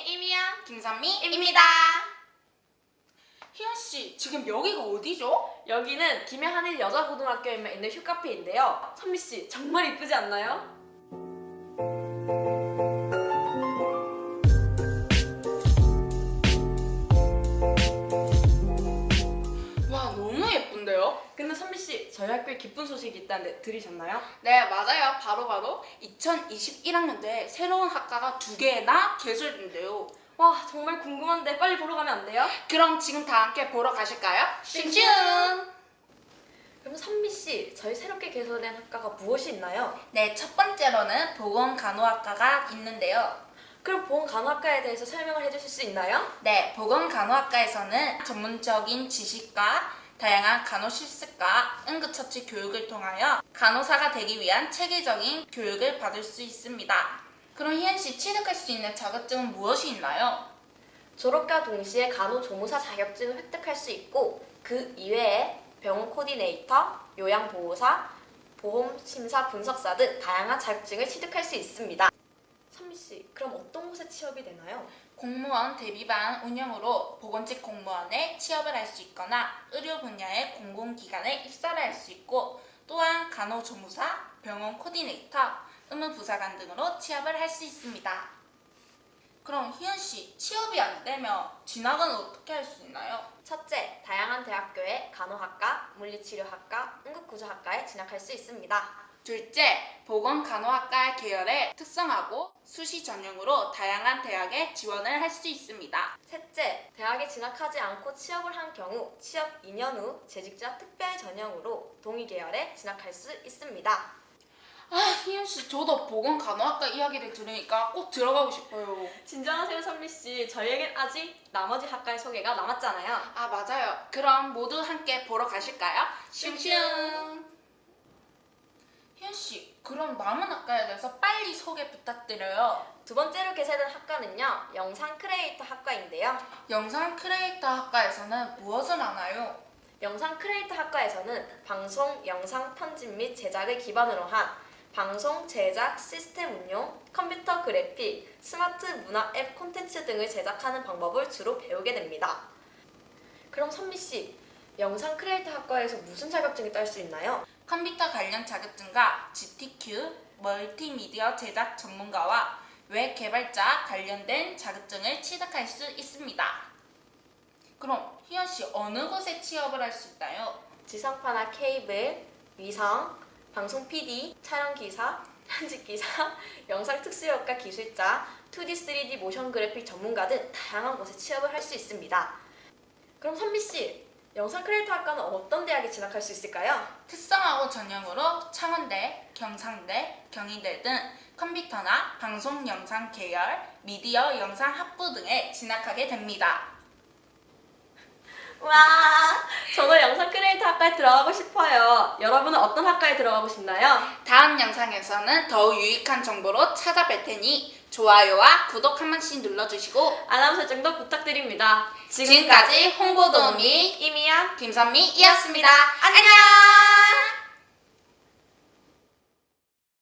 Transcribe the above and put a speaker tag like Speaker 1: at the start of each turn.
Speaker 1: 이미야,
Speaker 2: 김선미입니다.
Speaker 1: 희연씨, 지금 여기가 어디죠?
Speaker 2: 여기는 김해하늘 여자고등학교에 있는 휴카페인데요. 선미씨, 정말 이쁘지 않나요?
Speaker 1: 와, 너무 예쁜데요?
Speaker 2: 근데 선미씨, 저희 학교에 기쁜 소식이 있다는데 들으셨나요?
Speaker 1: 네, 맞아요. 바로 2021학년도에 새로운 학과가 2개나 개설된대요.
Speaker 2: 와, 정말 궁금한데 빨리 보러 가면 안 돼요?
Speaker 1: 그럼 지금 다 함께 보러 가실까요?
Speaker 2: 슝슝! 그럼 선미씨, 저희 새롭게 개설된 학과가 무엇이 있나요?
Speaker 1: 네, 첫 번째로는 보건간호학과가 있는데요.
Speaker 2: 그럼 보건간호학과에 대해서 설명을 해주실 수 있나요?
Speaker 1: 네, 보건간호학과에서는 전문적인 지식과 다양한 간호실습과 응급처치 교육을 통하여 간호사가 되기 위한 체계적인 교육을 받을 수 있습니다. 그럼 희연씨, 취득할 수 있는 자격증은 무엇이 있나요?
Speaker 2: 졸업과 동시에 간호조무사 자격증을 획득할 수 있고 그 이외에 병원 코디네이터, 요양보호사, 보험심사 분석사 등 다양한 자격증을 취득할 수 있습니다. 선미씨, 그럼 어떤 곳에 취업이 되나요?
Speaker 1: 공무원 대비반 운영으로 보건직 공무원에 취업을 할 수 있거나 의료 분야의 공공기관에 입사를 할 수 있고 또한 간호조무사, 병원 코디네이터, 의무부사관 등으로 취업을 할 수 있습니다. 그럼 희연씨, 취업이 안 되면 진학은 어떻게 할 수 있나요?
Speaker 2: 첫째, 다양한 대학교의 간호학과, 물리치료학과, 응급구조학과에 진학할 수 있습니다.
Speaker 1: 둘째, 보건간호학과 계열에 특성하고 수시 전형으로 다양한 대학에 지원을 할 수 있습니다.
Speaker 2: 셋째, 대학에 진학하지 않고 취업을 한 경우 취업 2년 후 재직자 특별 전형으로 동의 계열에 진학할 수 있습니다.
Speaker 1: 아, 희연씨, 저도 보건간호학과 이야기를 들으니까 꼭 들어가고 싶어요.
Speaker 2: 진정하세요, 선미씨. 저희에겐 아직 나머지 학과의 소개가 남았잖아요.
Speaker 1: 아, 맞아요. 그럼 모두 함께 보러 가실까요?
Speaker 2: 슝슝!
Speaker 1: 희연씨, 그럼 남은 학과에 대해서 빨리 소개 부탁드려요.
Speaker 2: 두 번째로 개설된 학과는요, 영상 크리에이터 학과인데요.
Speaker 1: 영상 크리에이터 학과에서는 무엇을 하나요?
Speaker 2: 영상 크리에이터 학과에서는 방송, 영상 편집 및 제작을 기반으로 한 방송, 제작, 시스템 운용, 컴퓨터 그래픽, 스마트 문화 앱 콘텐츠 등을 제작하는 방법을 주로 배우게 됩니다. 그럼 선미씨, 영상 크리에이터 학과에서 무슨 자격증을 딸 수 있나요?
Speaker 1: 컴퓨터 관련 자격증과 GTQ, 멀티미디어 제작 전문가와 웹 개발자 관련된 자격증을 취득할 수 있습니다. 그럼 희연씨, 어느 곳에 취업을 할 수 있나요?
Speaker 2: 지상파나 케이블, 위성, 방송 PD, 촬영 기사, 편집 기사, 영상 특수효과 기술자, 2D, 3D 모션 그래픽 전문가 등 다양한 곳에 취업을 할 수 있습니다. 그럼 선미씨, 영상 크리에이터 학과는 어떤 대학에 진학할 수 있을까요?
Speaker 1: 특성하고 전형으로 창원대, 경상대, 경희대 등 컴퓨터나 방송 영상 계열, 미디어 영상 학부 등에 진학하게 됩니다.
Speaker 2: 와, 저도 영상 크리에이터 학과에 들어가고 싶어요. 여러분은 어떤 학과에 들어가고 싶나요?
Speaker 1: 다음 영상에서는 더욱 유익한 정보로 찾아뵐 테니 좋아요와 구독 한 번씩 눌러주시고
Speaker 2: 알람 설정도 부탁드립니다.
Speaker 1: 지금까지 홍보도우미
Speaker 2: 이미야
Speaker 1: 김선미이었습니다. 안녕!